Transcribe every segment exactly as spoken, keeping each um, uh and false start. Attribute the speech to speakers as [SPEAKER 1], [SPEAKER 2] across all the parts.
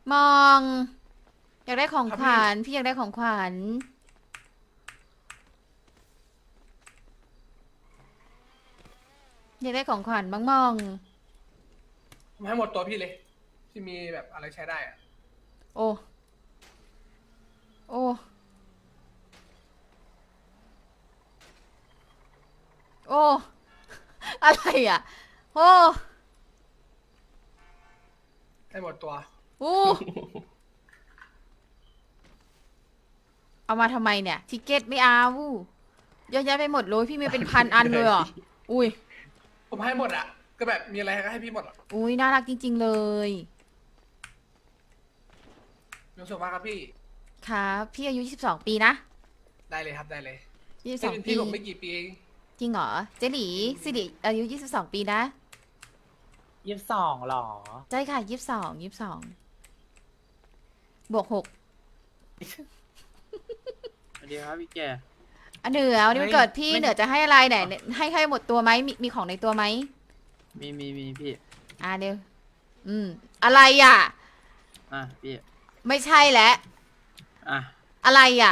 [SPEAKER 1] มองอยากได้ของ
[SPEAKER 2] ครับ
[SPEAKER 1] ขวัญ
[SPEAKER 2] พี่
[SPEAKER 1] พี่อยากได้ของขวัญอยากได้ของขวัญบ้างมอง
[SPEAKER 2] ผมให้หมดตัวพี่เลย ที่มีแบบอะไรใช้ได้อะ
[SPEAKER 1] โอ้โอ้โอ้อะไรอ่ะโอ้
[SPEAKER 2] ให้หมดตัว
[SPEAKER 1] โอ้เอามาทำไมเนี่ยทิเก็ตไม่เอาเยอะแยะไปหมดเลยพี่มีเป็นพันอันเลยเหรออุ้ย
[SPEAKER 2] ผมให้หมดอ่ะ ก็แบบมีอะไรก็ให้พี่หมดอ่ะ
[SPEAKER 1] อุ้ยน่ารักจริงๆเลย
[SPEAKER 2] มีความสุขมากครับพี่
[SPEAKER 1] ครับพี่อายุยี่สิบสองปีนะ
[SPEAKER 2] ได้เลยครับได้เลย
[SPEAKER 1] ยี่สิบส
[SPEAKER 2] พี่
[SPEAKER 1] องปี
[SPEAKER 2] พี่ผมไม่กี่ปีเอง
[SPEAKER 1] จริงเหรอเจหลีสิริอายุยี่สิบสองปีนะ
[SPEAKER 3] ยี่สิบสองหรอ
[SPEAKER 1] ใช่ค่ะยี่สิบสองยี่สิบสองบวกหก
[SPEAKER 4] สวัสดีครับพี่แก
[SPEAKER 1] อันเหนือวันนี้มัน
[SPEAKER 4] ไม่
[SPEAKER 1] เกิดพี่
[SPEAKER 4] ไม่
[SPEAKER 1] เหนือจะให้อะไรไหนให้ให้หมดตัวไหมมีมีของในตัวไหม
[SPEAKER 4] มีมีมีพี่
[SPEAKER 1] อ่าเดี๋ยวอืมอะไรอ่ะ
[SPEAKER 4] อ่ะพี่
[SPEAKER 1] ไม่ใช่แล้ว
[SPEAKER 4] อ่ะ
[SPEAKER 1] อะไรอ่ะ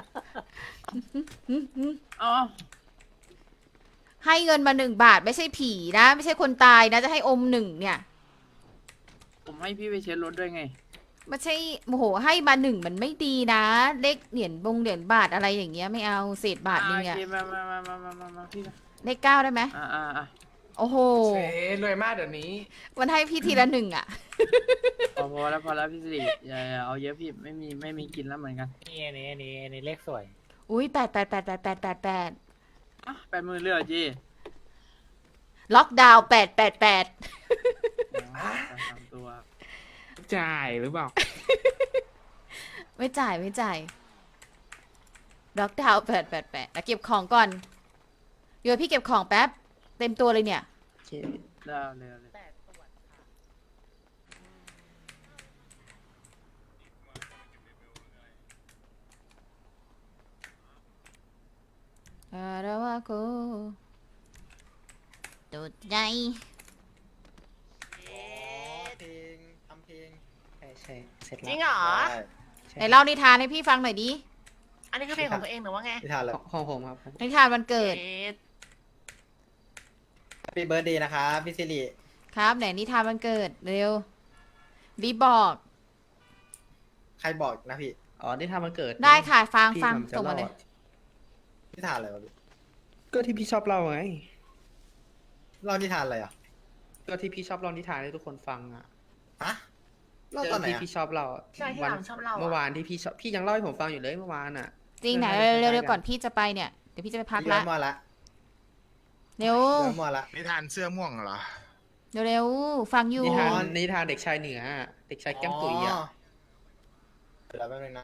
[SPEAKER 4] เอ๋อ
[SPEAKER 1] ให้เงินมาหนึ่งบาทไม่ใช่ผีนะ ไม่ใช่คนตายนะจะให้อมหนึ่งเนี่ย
[SPEAKER 4] ผมให้พี่ไปเช็ดรถด้วยไง
[SPEAKER 1] ไม่ใช่โมโหให้มาหนึ่งมันไม่ดีนะเลขเหรียญบงเหรียญบาทอะไรอย่างเงี้ยไม่เอาเศษบาทนึง
[SPEAKER 4] โอ
[SPEAKER 1] อ่ะ
[SPEAKER 4] เคมามามามามามามาพี่นะ
[SPEAKER 1] เลขเก้าได้ไหม
[SPEAKER 4] อ่าอ่าอ่ะ
[SPEAKER 1] โอ้โห
[SPEAKER 2] เซ่รวยมากเดี๋ยวนี้
[SPEAKER 1] มันให้พี่ทีละหนึ่งอ่ะ
[SPEAKER 4] พอพอแล้วพอแล้วพี่สิริอย่าอย่าเอาเยอะพี่ไม่มีไม่มีกินแล้วเหมือนกัน
[SPEAKER 3] นี่อันนี้อันนี้อันนี้เลขสวย
[SPEAKER 1] อุ้ยแปดแปดแปดแปดแปดแปดแปด
[SPEAKER 4] อ่ะแปดหมื่นเลือจี
[SPEAKER 1] ล็อกดาวน์แปดแปดแปด
[SPEAKER 4] อ๋อสามตัว
[SPEAKER 5] จ่ายหรือเปล่า
[SPEAKER 1] ไม่จ่ายไม่จ่ายล็อกดาวน์แปดแปดแปดแล้วเก็บของก่อนโยนพี่เก็บของแป๊บ เต็มตัวเลยเนี่ย
[SPEAKER 4] โอเคได้เอาเลยเอาเลย
[SPEAKER 1] อาระวะโกตุดใจ
[SPEAKER 6] เพลงทำเพลง
[SPEAKER 3] ใช่ใช่เสร็จ
[SPEAKER 7] จ
[SPEAKER 3] แล้
[SPEAKER 7] ริ
[SPEAKER 3] ว
[SPEAKER 7] งเหรอ
[SPEAKER 6] ได้
[SPEAKER 3] ใช่
[SPEAKER 1] ไหนเล่านิทานให้พี่ฟังหน่อยดิ
[SPEAKER 7] อันนี้คือเพลงของตัวเองหรือว่าไง
[SPEAKER 6] นิทานเลย
[SPEAKER 5] ของผมครับ
[SPEAKER 1] นิทานวันเกิด
[SPEAKER 7] เอ๊ะ
[SPEAKER 6] พี่เบิร์ดดีนะครับพี่สิริ
[SPEAKER 1] ครับไหนนิทานวันเกิดเร็วบีบอก
[SPEAKER 6] ใครบอกนะพี่
[SPEAKER 5] อ๋อนี่ทำมันเกิด
[SPEAKER 1] ได้ค่ะฟัง
[SPEAKER 5] พี่
[SPEAKER 1] ฟัง
[SPEAKER 5] ผมจะ
[SPEAKER 1] ส่งมา
[SPEAKER 5] เล่า
[SPEAKER 1] เลย
[SPEAKER 5] อะ
[SPEAKER 6] นิทานอะไรวะพี่
[SPEAKER 5] ก็ที่พี่ชอบเล่าไง
[SPEAKER 6] เล่านิทานอะไรอ่ะ
[SPEAKER 5] ก็ที่พี่ชอบเล่านิทานให้ทุกคนฟังอ่ะ
[SPEAKER 6] ฮะเล่าตอนไหน
[SPEAKER 5] ที่
[SPEAKER 6] อ่ะ
[SPEAKER 5] พี่ชอบเล่าอะ
[SPEAKER 7] ใช่ที่
[SPEAKER 5] วั
[SPEAKER 7] หลังชอบเล่า
[SPEAKER 5] เมื่อ
[SPEAKER 7] อะ
[SPEAKER 5] วานที่พี่ชอบพี่ยังเล่าให้ผมฟังอยู่เลยเมื่อวานอ่ะ
[SPEAKER 1] จริงไหน
[SPEAKER 5] เรื่องอะไร
[SPEAKER 1] เร็วๆ
[SPEAKER 5] กัน
[SPEAKER 1] ก่อนพี่จะไปเนี่ยเดี๋ยวพี่จะไปพัก
[SPEAKER 6] พี่
[SPEAKER 1] ละ
[SPEAKER 6] เริ่มมาละ
[SPEAKER 1] เร็ว
[SPEAKER 6] เริ่มมาละ
[SPEAKER 8] นิทานเสื้อม่วงเหรอ
[SPEAKER 1] เร็วๆฟังอยู่
[SPEAKER 5] นิทานนิทานเด็กชายเหนืออะเด็กชายแก้มตุ๋ยอ่ะ
[SPEAKER 6] เดี๋ยวแป๊บนึงนะ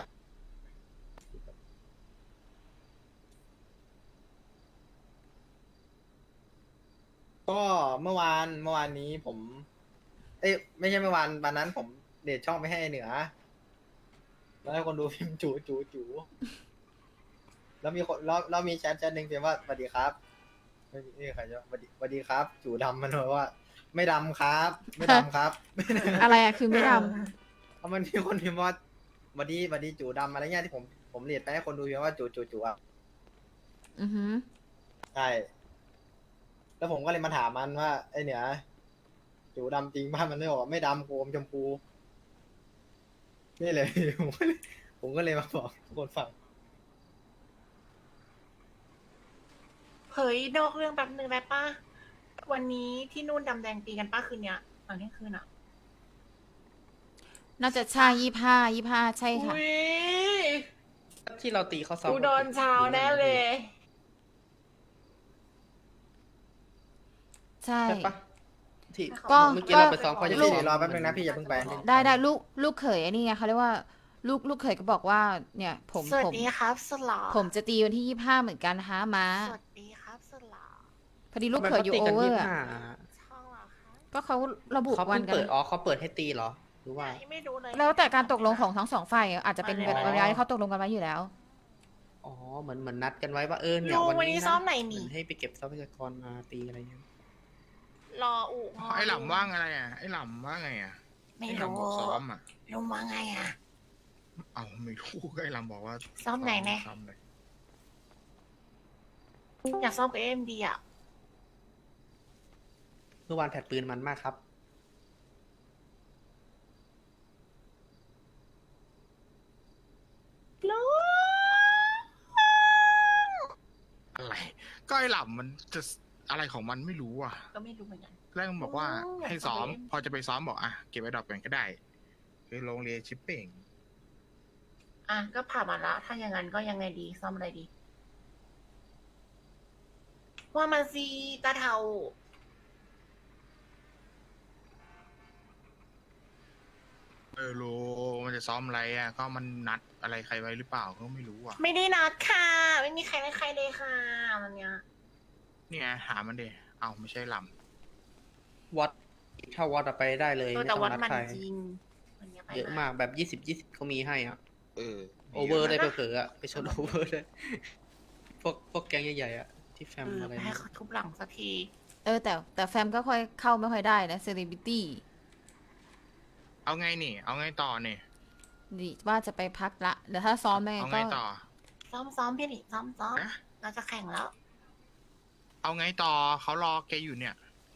[SPEAKER 6] ก็เมื่อวานเมื่อวานนี้ผม เอ้ยไม่ใช่เมื่อวานวันนั้นผมเดทช่องไปให้เหนือ แล้วให้คนดูพิมพ์จูจูจูแล้วมีคนแล้วแล้วมีแชทแชทหนึ่งเขียนว่าสวัสดีครับไม่มีไม่มีใครจะสวัสดีสวัสดีครับ จูดำมันบอกว่า ไม่ดำครับ ไม่ดำครับ
[SPEAKER 1] อะไรอะคือไม่ด
[SPEAKER 6] เพราะมันมีคนพิมพ์ว่าสวัสดีสวัสดีจูดำอะไรเงี้ยที่ผมผมเรียนไปให้คนดูพิมพ์ว่าจูจูจูอ่ะ
[SPEAKER 1] ำอือหือ
[SPEAKER 6] ใช่แล้วผมก็เลยมาถามมันว่าไอเหนือจูดำจริงป่ะมันไม่บอกว่าไม่ดำโกมชมพูนี่เลย ผมก็เลยผมก็เลยมาบอกทุกคนฟัง
[SPEAKER 7] เฮ้ยนอกเรื่องแป๊บนึงได้ปะวันนี้ที่นู่นดำแดงตีกันป้าคืนเนี้ยตอนเที่ยงคืนอ่ะ
[SPEAKER 1] น่าจะใช่ยี่ห้ายี่ห้าใช่ค่ะ
[SPEAKER 7] อุ้ย
[SPEAKER 5] ที่เราตีเขาซ้อม
[SPEAKER 7] กูโดนเช้าแน่เลย
[SPEAKER 1] ใช่
[SPEAKER 5] ใช่ปะที่
[SPEAKER 1] ก็
[SPEAKER 5] เมื่อกี้เราไปซ้อมเขา
[SPEAKER 6] พี่
[SPEAKER 5] จะ
[SPEAKER 6] สิริรอแป๊บนึงนะพี่อย่าเพิ่งไป
[SPEAKER 1] ได้ได้ลูกลูกเขยไอ้นี่ไงเขาเรียกว่าลูกลูกเขยก็บอกว่าเนี่ย ผม
[SPEAKER 7] สวัส
[SPEAKER 1] ผม
[SPEAKER 7] ดีครับสลอ
[SPEAKER 1] ผมจะตีวันที่ยี่ห้าเหมือนกันนะคะม้า
[SPEAKER 7] สวัสดีครับสลอ
[SPEAKER 1] พอดีลูกเขยอยู่โอเวอร์อะ
[SPEAKER 7] ช่องเหรอคะ
[SPEAKER 1] ก็เขาระบุ
[SPEAKER 5] เขา
[SPEAKER 1] วั
[SPEAKER 5] เพิ่
[SPEAKER 1] น
[SPEAKER 5] ง
[SPEAKER 1] กัน
[SPEAKER 5] เปิดอ๋อเขาเปิดให้ตีเหรอหรือว่า
[SPEAKER 7] ไม่รู้เลย
[SPEAKER 1] แล้วแต่การตกลงของทั้งสองฝ่ายอาจจะเป็น
[SPEAKER 7] มาแล้ว
[SPEAKER 1] เวลาที่เขาตกลงกันไว้อยู่แล้ว
[SPEAKER 5] อ๋อเหมือนเหมือนนัดกันไว้ว่าเออเนี่ย
[SPEAKER 7] ลุง
[SPEAKER 5] วัน
[SPEAKER 7] วันนี้
[SPEAKER 5] นี้
[SPEAKER 7] ซ้อ
[SPEAKER 5] นะ
[SPEAKER 7] มไหน
[SPEAKER 5] เหมื
[SPEAKER 7] นี่
[SPEAKER 5] อนให้ไปเก็บทรัพยากรมาตีอะไรอย่างเงี้ย
[SPEAKER 7] รออุ
[SPEAKER 8] ไอ้หล่ำว่างอะไรอ่ะ ไอ้หล่ำว่าไงอ่ะ
[SPEAKER 7] ไม่
[SPEAKER 8] ไอ้
[SPEAKER 7] รู้
[SPEAKER 8] ลำบอกซ้อมอ่ะ
[SPEAKER 7] ลุงว่าไงอ่ะ
[SPEAKER 8] เอาไม่รู้ก็ไอ้ลำบอกว่า
[SPEAKER 7] ซ้อมไหนแน่
[SPEAKER 8] ซ้อมเลย
[SPEAKER 7] อยากซ้อมกับเอ็มดีอ่ะ
[SPEAKER 5] เมื่อวานแผดปืนมันมากครับ
[SPEAKER 7] ลุง
[SPEAKER 8] อะไร ก็ไอ้ลำมันจะอะไรของมันไม่รู้อ่ะ
[SPEAKER 7] ก็ไม่รู้เหมือนกัน
[SPEAKER 8] แรกมันบอกว่า
[SPEAKER 7] โอ้ย
[SPEAKER 8] ให้ซ้อม
[SPEAKER 7] อยากไป
[SPEAKER 8] พอจะไปซ้อมบอกอ่ะเก็บไว้ดรอปกันก็ได้คือโรงเรียนชิปเป่ง
[SPEAKER 7] อ่ะก็ผ่านมาละถ้าอย่างนั้นก็ยังไงดีซ่อมอะไรดี ว่ามาซีตาเทา
[SPEAKER 8] เออโลมันจะซ้อมอะไรอ่ะก็มันนัดอะไรใครไว้หรือเปล่าก็ไม่รู้อ่ะ
[SPEAKER 7] ไม่ได้นัดค่ะ ไม่มีใครไม่ใครเลยค่ะวันเนี้ย
[SPEAKER 8] นี่ไงหามันเดเอาไม่ใช่ล
[SPEAKER 5] วัดถ้าวัดอะไปได้เลย
[SPEAKER 7] ตัว
[SPEAKER 5] ไม่
[SPEAKER 7] แต่
[SPEAKER 5] ต้อง
[SPEAKER 7] วัด
[SPEAKER 5] นัด
[SPEAKER 7] มัน
[SPEAKER 5] ใคร
[SPEAKER 7] จริงวันเนี้ยไป
[SPEAKER 5] เยอะมากแบบยี่สิบยี่สิบเขามีให้อ่ะ
[SPEAKER 8] ำเออ
[SPEAKER 5] โอเวอร์ได้เผลอๆอะไปชนโอเวอร์ได้พวกพวกแก๊งใหญ่ๆอะที่แฟ
[SPEAKER 7] เอ
[SPEAKER 5] ม
[SPEAKER 7] อ
[SPEAKER 5] อะไร
[SPEAKER 7] ไปให้
[SPEAKER 5] เนี่ย
[SPEAKER 7] เขาทุบหลังสักที
[SPEAKER 1] เออแต่แต่แฟมก็ค่อยเข้าไม่ค่อยได้นะเซเลบริตี้
[SPEAKER 8] เอาไงนี่ เอาไงต่อเนี่ย
[SPEAKER 1] ดิว่าจะไปพักละเดี๋ยวถ้าซ้อมไม่
[SPEAKER 8] เอา
[SPEAKER 1] ก็
[SPEAKER 8] ไงต่อ
[SPEAKER 7] ซ้อมซ้อมพี่หนิซ้อมซ้อม
[SPEAKER 8] ฮะ
[SPEAKER 7] เราจะแข่งแล้ว
[SPEAKER 8] เอาไงต่อเขารอแกอยู่เนี่ย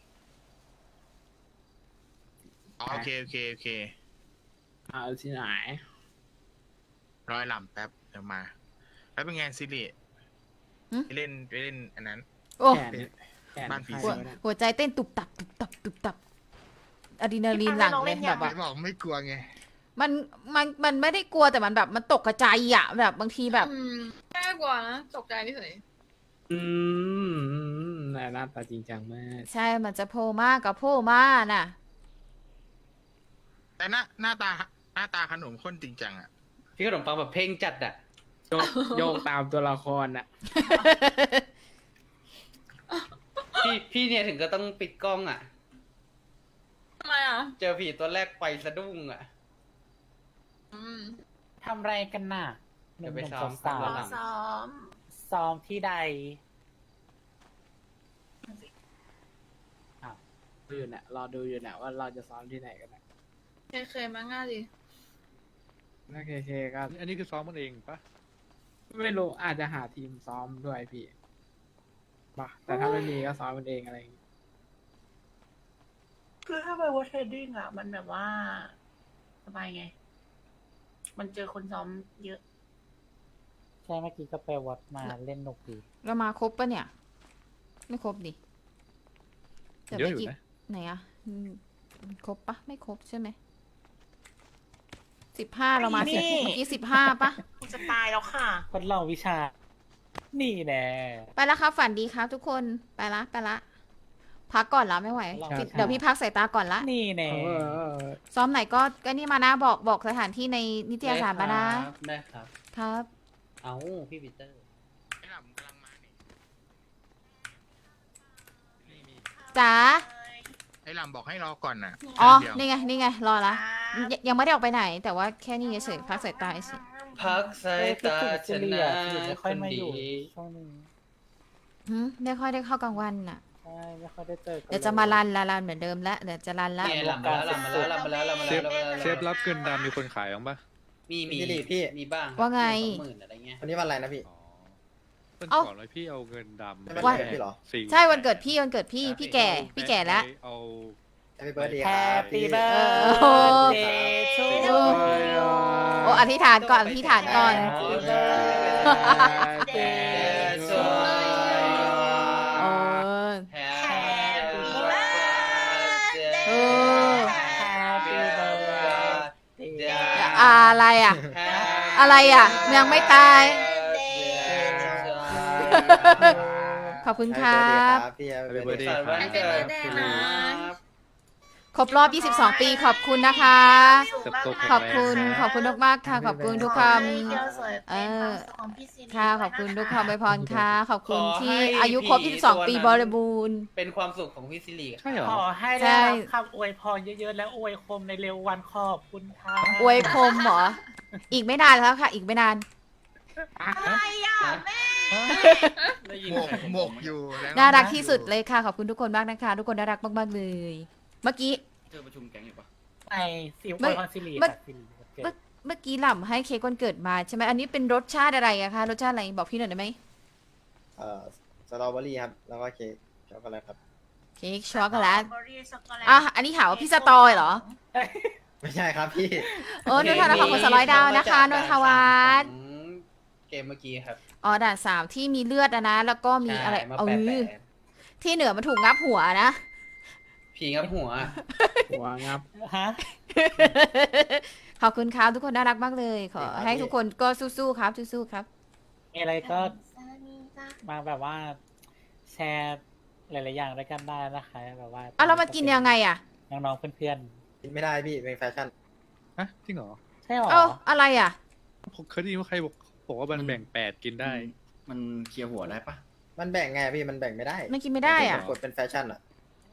[SPEAKER 8] อ๋อโอเคโอเคโอเค
[SPEAKER 4] เอาที่ไหน
[SPEAKER 8] ร้อยลำแป๊บเดี๋ยวมา แล้วเป็นไงซิริไปเล่นไปเล่นอันนั้น
[SPEAKER 1] โอ้
[SPEAKER 4] แขนแขน
[SPEAKER 8] บ้านผี
[SPEAKER 1] หัว
[SPEAKER 8] สิง
[SPEAKER 1] หัวใจเต้นตุบตับตุบตับตุบตับอะดรีนาลีนหลั่งเลยแบบ
[SPEAKER 8] ไหน
[SPEAKER 1] ว่า
[SPEAKER 8] บอกไม่กลัวไง
[SPEAKER 1] มันมันมันไม่ได้กลัวแต่มันแบบมันตกกระจายอะแบบบางทีแบบ
[SPEAKER 9] อืมน่ากลัวนะตกใจนี่เฉย
[SPEAKER 4] อืมหน้าตาจริงจังมาก
[SPEAKER 1] ใช่มันจะโผล่มากกับโผล่มาน่ะ
[SPEAKER 8] แต่หน้าหน้าตาหน้าตาขนมข้นจริงจังอ่ะ
[SPEAKER 5] พี่ขนมปังแบบเพลงจัดอะ
[SPEAKER 4] โยกโยกตามตัวละครอ่ะ
[SPEAKER 5] พี่พี่เนี่ยถึงก็ต้องปิดกล้องอะ
[SPEAKER 9] ทำไมอ่ะ
[SPEAKER 5] เจอผีตัวแรกไปสะดุ้งอะ
[SPEAKER 9] อืม
[SPEAKER 3] ทำไรกันน่ะ
[SPEAKER 5] เดี๋ยวไป
[SPEAKER 3] หนุ่
[SPEAKER 5] ซ้อม
[SPEAKER 3] ๆสาว
[SPEAKER 5] ซ้
[SPEAKER 7] ซ้อมซ้อม
[SPEAKER 3] ๆซ้อมที่ใด
[SPEAKER 4] ดูอยู่เนี่ยรอดูอยู่เนี่ยว่าเราจะซ้อมที่ไหนกันนะ
[SPEAKER 9] เคยเคยมาง่ายดิ
[SPEAKER 4] โอเคโอเคก็
[SPEAKER 10] อันนี้คือซ้อมมันเองปะ
[SPEAKER 4] ไม่รู้อาจจะหาทีมซ้อมด้วยพี่ป่ะแต่ถ้าไม่มีก็ซ้อมมันเองอะไรอย่างงี้
[SPEAKER 7] คือถ้าไปวอเทรดดิ้งอ่ะ มันแบบว่าสบายไง มันเจอคนซ้อมเยอะ
[SPEAKER 3] ใช่เมื่อกี้ก็ไปวัดมาเล่นนกดี
[SPEAKER 1] เรามาครบปะเนี่ย ไม่ครบดิแต่
[SPEAKER 10] เยอะ
[SPEAKER 1] ไม่
[SPEAKER 10] อยู่
[SPEAKER 1] กี่
[SPEAKER 10] นะ
[SPEAKER 1] ไหนอะอืมครบปะไม่ครบใช่ไหมสิบห้าเรามาสิ
[SPEAKER 7] นี่
[SPEAKER 1] เมื่อกี้สิบห้าปะ
[SPEAKER 7] กูจะตายแล้วค่ะ
[SPEAKER 3] ทดลองวิชา นี่แน่
[SPEAKER 1] ไปแล้วครับฝันดีครับทุกคนไปละไปละพักก่อนละไม่ไหว
[SPEAKER 3] ครับ
[SPEAKER 1] พี่เดี๋ยวพี่พักสายตาก่อนละ
[SPEAKER 3] นี่แน่
[SPEAKER 4] เออ
[SPEAKER 1] ซ้อมไหนก็ก็นี่มานะบอกบอกสถานที่ในนิตยสารมานะ
[SPEAKER 5] ได้ครับ
[SPEAKER 1] ครับ
[SPEAKER 5] เอาพี่ปีเตอร์
[SPEAKER 8] ไอ้ลำกำลังมานี่
[SPEAKER 1] จ๋า
[SPEAKER 8] ไอ้ลำบอกให้รอก่อนน่ะ
[SPEAKER 1] อ๋อ
[SPEAKER 8] เดี๋ยว
[SPEAKER 1] นี่ไงนี่ไงรอละยยังไม่ได้ออกไปไหน แต่ว่าแค่นี้เฉยๆพักสายตาเฉย
[SPEAKER 6] พักสา
[SPEAKER 3] เอ้
[SPEAKER 6] ย
[SPEAKER 3] ยคิด
[SPEAKER 6] ตา
[SPEAKER 3] ถึง
[SPEAKER 6] ช
[SPEAKER 3] จิเลี
[SPEAKER 6] นะ
[SPEAKER 3] ยจิเลียไม่ค่อยมาอยู่
[SPEAKER 6] คนดี
[SPEAKER 3] ช่วงนี้
[SPEAKER 1] หืมไม่ค่อยได้เข้ากลางวันน่ะ
[SPEAKER 3] ใช่ไม่ค่อยได้เจอกัน
[SPEAKER 1] เดี๋ยวจะมารันละรันเหมือนเดิมละเดี๋ยวจะรันละ
[SPEAKER 6] เนี่ยหลับมาแล้วหลับมาแล้วหลับมาแล้วหลับมา
[SPEAKER 10] เช
[SPEAKER 6] แล้ว
[SPEAKER 10] ฟ
[SPEAKER 6] หลับมาแล้ว
[SPEAKER 10] เชฟรับเกินดำมีคนขายบ้างปะ
[SPEAKER 5] มีมี
[SPEAKER 6] พี่ดิพี่
[SPEAKER 5] มีบ้าง
[SPEAKER 1] ว่าไง
[SPEAKER 5] สองหมื่นอะไรเงี้ย
[SPEAKER 6] วันนี้วันอะไรนะพี่
[SPEAKER 10] อ๋อต้น
[SPEAKER 1] เอ้า
[SPEAKER 10] ก่อนเลยพี่เอาเงินดำ
[SPEAKER 6] ไม่เป็น
[SPEAKER 1] ว่า
[SPEAKER 6] ไรพี่เหรอ
[SPEAKER 10] สี่
[SPEAKER 1] ใช่วันเกิดพี่วันเกิดพี่พี่แก่พี่แก่แล้ว
[SPEAKER 10] เอา
[SPEAKER 6] Happy birthday
[SPEAKER 3] แฮ
[SPEAKER 6] ครับ
[SPEAKER 3] ปปี้
[SPEAKER 6] พี่
[SPEAKER 3] เบิร์
[SPEAKER 1] โอ้
[SPEAKER 3] ดเดย์ทู
[SPEAKER 1] โอ้
[SPEAKER 3] ยู
[SPEAKER 1] โอ้อธิษฐานก่อนอธิษฐานก่อน
[SPEAKER 3] Happy birthday to
[SPEAKER 1] โอ้
[SPEAKER 6] Happy
[SPEAKER 1] เออ
[SPEAKER 3] Happy birthday
[SPEAKER 1] อะไรอ่ะ อะไรอ่ะ ยังไม่ตาย ขอบคุณครับ
[SPEAKER 6] พี่
[SPEAKER 10] Happy birthday
[SPEAKER 6] สารวันเกิด
[SPEAKER 9] Happy birthday
[SPEAKER 6] ค
[SPEAKER 9] นะ
[SPEAKER 6] รับ
[SPEAKER 1] ครบรอบ ยี่สิบสอง ปีขอบคุณนะคะ
[SPEAKER 10] เติบโตแข็งแรง
[SPEAKER 1] ขอบคุณขอบคุณมากๆค่ะ ขอบคุณทุกค
[SPEAKER 7] ขอให้เที่ยวสวย
[SPEAKER 1] ำเอ
[SPEAKER 7] เป็นควา
[SPEAKER 1] อ
[SPEAKER 7] มสุขของพี่ซิริ
[SPEAKER 1] ค่ะ ขอบคุณทุกคำอวยพรค่ะ ขอบคุณ
[SPEAKER 5] ขอ
[SPEAKER 1] ที่
[SPEAKER 5] ให้
[SPEAKER 1] อายุครบ
[SPEAKER 5] ผี
[SPEAKER 1] ยี่สิบสอง
[SPEAKER 5] ตัว
[SPEAKER 1] ปี
[SPEAKER 5] นั้น
[SPEAKER 1] บริบูรณ์
[SPEAKER 5] เป็นความสุขของพี่ซิริ
[SPEAKER 10] ใช่เหรอ
[SPEAKER 3] ขอให้
[SPEAKER 1] ใช่
[SPEAKER 3] ได้รับคำอวยพรเยอะๆ และอวยคมในเร็ววันขอบคุณค่ะ
[SPEAKER 1] อวยพรมเหรอ อีกไม่นานแล้วค่ะ อีกไม่นาน
[SPEAKER 7] อะไรอ่ะแม่
[SPEAKER 5] ได้ยิน
[SPEAKER 8] หมก
[SPEAKER 5] ใครผม
[SPEAKER 8] หมกอยู่แล้ว
[SPEAKER 1] น่ารักที่สุดเลยค่ะ ขอบคุณทุกคนมากนะคะ ทุกคนน่ารักมากๆเลย เมื่อกี้
[SPEAKER 5] เธอประชุมแก๊งอยู่ปะ
[SPEAKER 3] ไอสิว
[SPEAKER 1] ไม่
[SPEAKER 3] คอนซิลี
[SPEAKER 1] ไม่
[SPEAKER 3] ค่ะซิลีวันเกิ
[SPEAKER 1] เมื่อ
[SPEAKER 3] ด
[SPEAKER 1] เมื่อกี้หล่ำให้เค้กวันเกิดมาใช่ไหมอันนี้เป็นรสชาติอะไรอะคะรสชาติอะไรบอกพี่หน่อยได้ไหม
[SPEAKER 6] เอ่อสตรอเบอรี่ครับ แล้วก็เค้กช็อกโกแลตครับ
[SPEAKER 1] เค้กช็อกโกแลต
[SPEAKER 7] เบอร์รี่ช็อกโกแลต
[SPEAKER 1] อ่ะอันนี้หาว่าพี่สตอยเหรอ
[SPEAKER 6] ไม่ใช่ครับพี่
[SPEAKER 1] โอ้นนทวัฒน์ขอบคุณสร้อยดาวนะคะนนทวัฒน์
[SPEAKER 5] เกมเมื่อกี้ครับ
[SPEAKER 1] อ๋อด่านสามที่มีเลือดอะนะ แล้วก็มีอะไร
[SPEAKER 5] ใช่มา
[SPEAKER 1] เอ
[SPEAKER 5] แปะ
[SPEAKER 1] อ
[SPEAKER 5] แปะ
[SPEAKER 1] ที่เหนือมันถูกงับหัวนะ
[SPEAKER 5] ผีงับหัว
[SPEAKER 4] หัวงับ
[SPEAKER 3] ฮะ
[SPEAKER 1] ขอบคุณครับทุกคนน่ารักมากเลย ขอให้ทุกคนก็สู้ๆครับสู้ๆครับ
[SPEAKER 3] มีอะไรก็
[SPEAKER 7] สวัสดีจ้ะ
[SPEAKER 3] มาแบบว่า แชร์หลายๆอย่างด้วยกันได้นะคะแบบว่า
[SPEAKER 1] อ่ะเรามากินยังไงอะ
[SPEAKER 3] น้องๆเพื่อน
[SPEAKER 6] กินไม่ได้พี่ เป็นแฟชั่น
[SPEAKER 10] ฮะจริงเหรอ
[SPEAKER 3] ๆใช่หรอ
[SPEAKER 1] เอ้าอะไรอะ
[SPEAKER 10] ผมเคยได้ยินว่าใครบอกบอกว่ามันแบ่งแปดกินได้
[SPEAKER 11] มันเคลียร์หัวได้ปะ
[SPEAKER 6] มันแบ่งไงพี่ มันแบ่งไม่ได้
[SPEAKER 1] มันกินไม่ได้อะ
[SPEAKER 6] กดเป็นแฟชั่นอ่ะ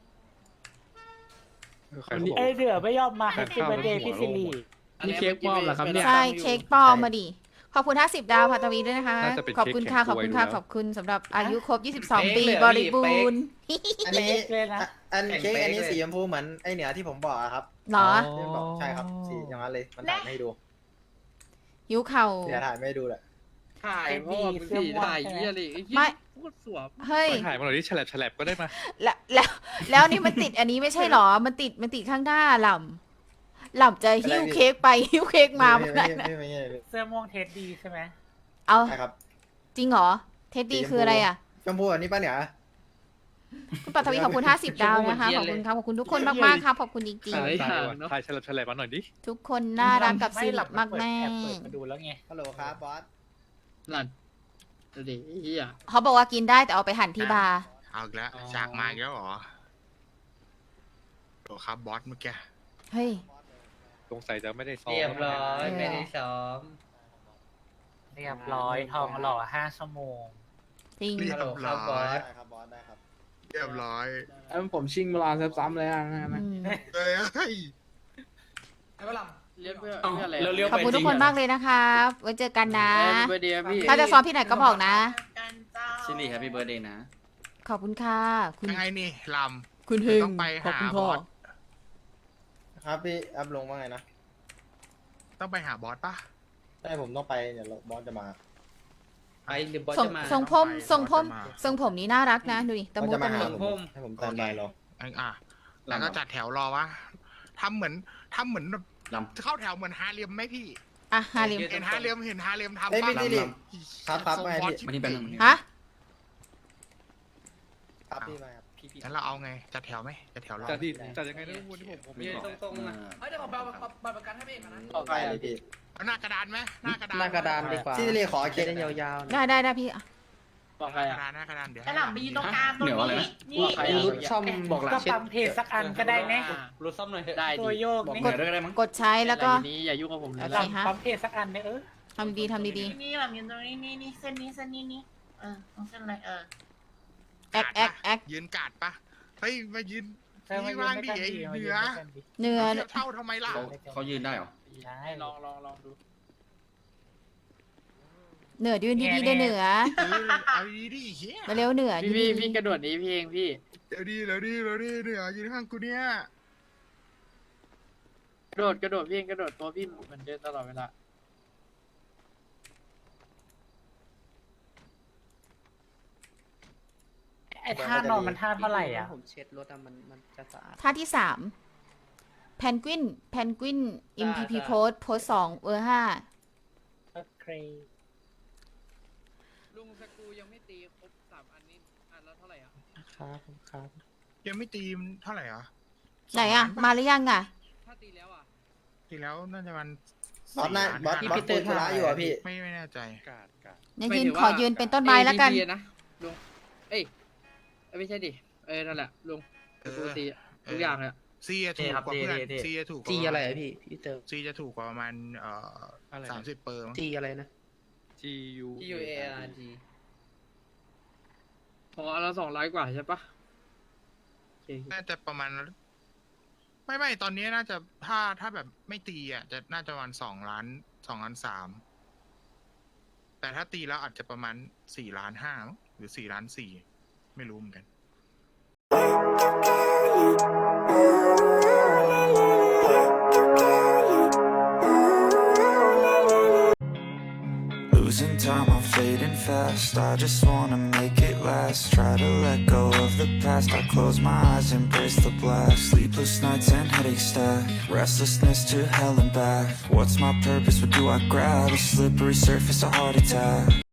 [SPEAKER 10] ใครเขาบอก
[SPEAKER 3] เอ้ยเดือไม่ยอมมาให้ซิเบอร์เดย์พี่ซิลี
[SPEAKER 4] นี่เค้กปลอมเหรอครับเนี่ย
[SPEAKER 1] ใช่เค้กปลอมมาดิขอบคุณห้าสิบดาวพัตวีด้วยนะคะ
[SPEAKER 10] น่าจะเป็น
[SPEAKER 1] ขอบคุณค่ะ
[SPEAKER 10] เค้
[SPEAKER 1] ข
[SPEAKER 10] ก
[SPEAKER 1] อบ
[SPEAKER 10] แข็ง
[SPEAKER 1] คุณค่ะ
[SPEAKER 10] กล้วย
[SPEAKER 1] ขอบคุณสำหรับอายุครบยี่สิบสอง
[SPEAKER 5] เป๊ก
[SPEAKER 1] ปี
[SPEAKER 5] เลย
[SPEAKER 1] บ
[SPEAKER 5] อะ
[SPEAKER 1] ริบูรณ์
[SPEAKER 6] อันนี้
[SPEAKER 3] เลยนะ
[SPEAKER 6] อ่ะอัน
[SPEAKER 5] แบ่ง
[SPEAKER 6] เค้กอันนี้
[SPEAKER 5] เป๊กเลย
[SPEAKER 6] สีชมพูเหมือนไอเหนือที่ผมบอกอะครับ
[SPEAKER 1] เหรอ
[SPEAKER 6] ที่บอกใช่ครับ สีอย่างนั้นเลย มันถ่ายไม่ให้ดู
[SPEAKER 1] หิวเข่า
[SPEAKER 6] เดี๋ยวถ่ายไม่ให้ดูแหละ
[SPEAKER 4] ถ่ายเพราะว่ามึงสีถ่ายเยี่ยอะไรไอ้เหี้ย
[SPEAKER 1] ไม่
[SPEAKER 4] พูดสวม
[SPEAKER 1] เฮ้ย
[SPEAKER 10] ถ่ายมาหน่อยดิแฉลบแฉลบก็ได้มา
[SPEAKER 1] แล้วแล้วแล้วนี่มันติดอันนี้ไม่ใช่เหรอ มันติดมันติดข้างหน้าหล่ำหล่ำจะหิ้วเค้กไปหิ้วเค้กมา
[SPEAKER 6] ไม่
[SPEAKER 1] เมื่อ
[SPEAKER 6] ไม่
[SPEAKER 1] ไหร่
[SPEAKER 6] ไม่ไม่ไม่ไม่
[SPEAKER 3] เสื้อม่วงเทสดีใช่ไหม
[SPEAKER 1] เอา
[SPEAKER 6] ใช่ครับ
[SPEAKER 1] จริงเหรอ เท็ดดี้คืออะไรอ่ะ
[SPEAKER 6] ชมพูอันนี้ป้าเหนือ
[SPEAKER 1] คุณปัทวีขอบคุณห้าสิบดาวนะคะ ขอบคุณครับ ขอบคุณทุกคนมากๆครับ ขอบคุณจริง
[SPEAKER 4] หาย
[SPEAKER 10] ถ่าย
[SPEAKER 4] ห่าง
[SPEAKER 10] ว่ะ
[SPEAKER 4] เนาะ
[SPEAKER 10] ถ่ายแฉลบแฉลบมาหน่อยดิ
[SPEAKER 1] ๆ ทุกคนน่ารักกับซี
[SPEAKER 3] ห
[SPEAKER 1] ริ
[SPEAKER 3] ลับ
[SPEAKER 1] มากแม่
[SPEAKER 3] แอบเปิดมาดูแล้วไง
[SPEAKER 6] ฮัลโหลครับบอส
[SPEAKER 4] หลัดเดี๋ยวไอ้เหี้ย
[SPEAKER 1] เขาบอกว่ากินได้แต่เอาไปหั่นที่บาร์
[SPEAKER 8] เอาอีกแล้ว
[SPEAKER 4] อ๋อ
[SPEAKER 8] จากมาอีกแล้วเหรอโอ้ครับบอสเมื่อกี้
[SPEAKER 1] เฮ้ย
[SPEAKER 10] สงสัยจะไม่ได้ซ้อม
[SPEAKER 5] เรียบร้อย
[SPEAKER 1] เออ
[SPEAKER 5] ไม่ได้ซ้อม
[SPEAKER 3] เรียบร้อยทองหล่อห้าชั่วโมง
[SPEAKER 1] จริง
[SPEAKER 8] เรีย
[SPEAKER 5] ฮัลโหล
[SPEAKER 8] บ
[SPEAKER 5] ครั
[SPEAKER 8] ร้
[SPEAKER 5] บ
[SPEAKER 8] อบ
[SPEAKER 5] อย ส
[SPEAKER 6] ได้ครับบอสได้ครับ
[SPEAKER 8] เรียบร้อย
[SPEAKER 4] เอ้ยผมชิงเวลาซ้ำๆเลยอ่ะนะ
[SPEAKER 1] อืม
[SPEAKER 8] เฮ้ยเฮ้ย
[SPEAKER 2] ไอ้ก็ล
[SPEAKER 4] เรียกเพื่อ
[SPEAKER 11] เอ้า
[SPEAKER 4] เพื่ออะไร
[SPEAKER 11] เร็วๆ
[SPEAKER 1] ขอบคุณทุกคนมากเลยนะครับไว้เจอกันนะ
[SPEAKER 4] เบอร์เดียพี่
[SPEAKER 1] ถ้าจะซ้อมที่ไหนก็บอกนะ
[SPEAKER 7] กันเจ้า
[SPEAKER 11] ชิลลี่แฮปปี้เบิร์ดเดย์นะ
[SPEAKER 1] ขอบคุณค่ะ คุณ
[SPEAKER 8] ยังไงนี่ล
[SPEAKER 1] คุณเฮง
[SPEAKER 8] ต้องไป
[SPEAKER 1] ขอบคุณ
[SPEAKER 8] หา
[SPEAKER 1] พ่อบ
[SPEAKER 8] อส
[SPEAKER 6] ครับพี่อัพลงว่าไงนะ
[SPEAKER 8] ำต้องไปหาบอสปะ
[SPEAKER 6] ใช่ผมต้องไปเดี๋ยวบอสจะมา
[SPEAKER 5] ไปหรือบอส
[SPEAKER 1] ทรง
[SPEAKER 5] จะมา
[SPEAKER 1] ทรงผม
[SPEAKER 8] ไป
[SPEAKER 1] ทรงผม
[SPEAKER 8] บอสจะมา
[SPEAKER 1] ทรงผมนี้น่ารักนะ ดูดิตะ
[SPEAKER 6] บอส
[SPEAKER 1] มู
[SPEAKER 6] จะ
[SPEAKER 1] ตะ
[SPEAKER 6] มา
[SPEAKER 1] มี
[SPEAKER 6] หา
[SPEAKER 5] ผ
[SPEAKER 6] ผม มให้ผมตามไปรอ
[SPEAKER 8] อันอ่ะแล้วก็จัดแถวรอวะทำเหมือนทำเหมือนแบบ
[SPEAKER 11] ล
[SPEAKER 8] เข้าแถวเหมือนฮาเรียมไหมพี่
[SPEAKER 1] อ่ะฮาริม
[SPEAKER 8] เห็นฮาเรียมเห็นฮาเรียมทำ
[SPEAKER 6] เอ้ย
[SPEAKER 8] ปะ
[SPEAKER 6] พี่ดิดิครับครับ
[SPEAKER 8] ทง
[SPEAKER 6] ไม่
[SPEAKER 8] บอส
[SPEAKER 6] พี่
[SPEAKER 11] ำมันนี่เป็นหนึ่ง
[SPEAKER 1] ฮะ
[SPEAKER 6] ครับพี่มาครับพี่พี่
[SPEAKER 8] งั้นเราเอาไงจัดแถวไหมจัดแถวรอ
[SPEAKER 10] จัดดิจัดยังไงนะวันนี้ผมผมไม่
[SPEAKER 5] ยืน
[SPEAKER 10] ได้
[SPEAKER 5] ตรงๆนะ
[SPEAKER 2] ำเฮ้ยเดี๋ยวผมไปเอาบัตรประกันให้พี่เอกก่อนนะ
[SPEAKER 4] ออกไป
[SPEAKER 6] ไป
[SPEAKER 4] อ่ะ
[SPEAKER 6] เลยพี่
[SPEAKER 8] เอาหน้ากระดานไหมหน้ากระดาน
[SPEAKER 5] หน้ากระดานดีกว่า
[SPEAKER 6] ที่เรียกขอเค้ก
[SPEAKER 5] ได้ยาวๆนะ
[SPEAKER 1] ได้ได้ได้พี่อ่ะ
[SPEAKER 4] บอก
[SPEAKER 8] ห
[SPEAKER 4] ใคร
[SPEAKER 8] น้าก
[SPEAKER 4] อ่ะ
[SPEAKER 8] ระดานหน้ากระดานเดี๋ยว
[SPEAKER 7] ไอ้หล่ำไปยืนตรงกลางตรง
[SPEAKER 11] เหนือว่าอะไร
[SPEAKER 7] นี้
[SPEAKER 11] นะ
[SPEAKER 7] นี่
[SPEAKER 4] ใครอ่ะ
[SPEAKER 5] รุดซ่อมบอกหลัง
[SPEAKER 3] ก็
[SPEAKER 5] เช็ด
[SPEAKER 3] ปั๊มเพจสักอันก็ได้นะ
[SPEAKER 5] รุดซ่อมหน่อยเถอะ
[SPEAKER 4] ได้
[SPEAKER 3] ตัว
[SPEAKER 4] ดิ
[SPEAKER 3] โยก
[SPEAKER 11] บอก
[SPEAKER 3] นี่
[SPEAKER 11] เหนือด้วยก็ได้มั้ง
[SPEAKER 1] กดใช้แล้วก็
[SPEAKER 4] ต่ทีนี้อย่ายุ่งกับผมเลย
[SPEAKER 1] โอ
[SPEAKER 4] นะ
[SPEAKER 1] เคฮะ
[SPEAKER 3] ปั๊มเพจสักอันเนี่ยเออ
[SPEAKER 1] ทำดีๆทำดี
[SPEAKER 7] นี่หล่ำยืนตรงนี้นี่นี่เส้นนี้เส้นนี้นี่เออตรงเส้นอะไรเออ
[SPEAKER 1] ๆแอกแอกแอก
[SPEAKER 8] ยืนกาดปะเฮ้ยมายืน
[SPEAKER 3] ใช่มา
[SPEAKER 8] นี่
[SPEAKER 3] ยืน
[SPEAKER 8] ว่าง
[SPEAKER 3] ด้วย
[SPEAKER 8] ดิ
[SPEAKER 3] กัน
[SPEAKER 8] ไอ้
[SPEAKER 3] ดีมา
[SPEAKER 8] เห
[SPEAKER 3] ยื
[SPEAKER 8] นื
[SPEAKER 3] น
[SPEAKER 8] อ
[SPEAKER 3] ด้วยกันดี
[SPEAKER 1] เนื้อ
[SPEAKER 8] เทียบเท่าทำไมล่ะ
[SPEAKER 11] เขาเขายืนได้เหรอ
[SPEAKER 3] ใช่
[SPEAKER 4] ลองลองลองดู
[SPEAKER 1] เหนือยืนดีๆได้เหนือ
[SPEAKER 8] เออเอาดีดิเฮีย
[SPEAKER 1] มาเร็วเหนือ
[SPEAKER 4] พี่
[SPEAKER 1] ดี
[SPEAKER 4] พี่พี่กระโดดหนี้พี่เองพี่
[SPEAKER 8] เดี๋ยวดีเดี๋ยวดีเดี๋ยวดีเหนือยืนข้างกูเนี่ย
[SPEAKER 4] กระโดดกระโดดพี่เองกระโดดตัวพี่เหมือนเดิมตลอดเวลา
[SPEAKER 3] ไอ้ท่านอนมันท่าเท่าไหร่อ่ะ
[SPEAKER 5] ผมเช็ดรถอะมันมันจะสะอาด
[SPEAKER 1] ๆท่าที่สามแพนกวินแพนกวิน เอ็ม พี พี
[SPEAKER 5] ได้
[SPEAKER 1] โพสโพสสองเวอร์ห้า
[SPEAKER 3] โอเค
[SPEAKER 4] ลุงสกูยังไม่ตีครบสามอันนี้อันละเท่าไหร่อ่ะ
[SPEAKER 3] ครับครับ
[SPEAKER 8] ยังไม่ตีมเท่าไหร่เหรอ
[SPEAKER 1] ไหนอ่ะ มาหรือยังอ่ะ
[SPEAKER 4] ถ้าตีแล้วอ่ะ
[SPEAKER 8] ตีแล้วน่าจะมัน
[SPEAKER 6] บอสน่าบอสบอสคุยธุระอยู่อ่ะพี่
[SPEAKER 8] ไม่ไม่แน่ใจ
[SPEAKER 10] กาดกาด
[SPEAKER 1] เนี่ยยืนขอยืนเป็นต้นไม้แล้วกัน
[SPEAKER 4] เอ้ย นะลุงเอ้ยเอ้ยไม่ใช่ดิเอ้ยนั่นแหละลุงสกูตีอะทุกอย่างเลยอะ
[SPEAKER 8] ซีจะถูกกว่าเพื่อนซีจะถูกกว่า
[SPEAKER 5] จีอะไรอะพี่พี่เติม
[SPEAKER 8] ซีจะถูกกว่าประมาณเอ่อ
[SPEAKER 10] อะไร
[SPEAKER 8] สามสิบเปอร์มั้ง
[SPEAKER 5] จีอะไรนะ
[SPEAKER 10] G U
[SPEAKER 5] G U A R G
[SPEAKER 4] พออันละสองร้อยกว่าใช่ปะโอเค
[SPEAKER 8] น่าจะประมาณ ไม่ไม่ตอนนี้น่าจะถ้าถ้าแบบไม่ตีอ่ะจะน่าจะประมาณสองล้านสองล้านสามแต่ถ้าตีแล้วอาจจะประมาณสี่ล้านห้ามั้งหรือสี่ล้านสี่ไม่รู้เหมือนกัน
[SPEAKER 12] Ooh, moving fast. I just wanna make it last. Try to let go of the past. I close my eyes, embrace the blast. Sleepless nights and headaches stack. Restlessness to hell and back. What's my purpose? What do I grab? A slippery surface, a heart attack.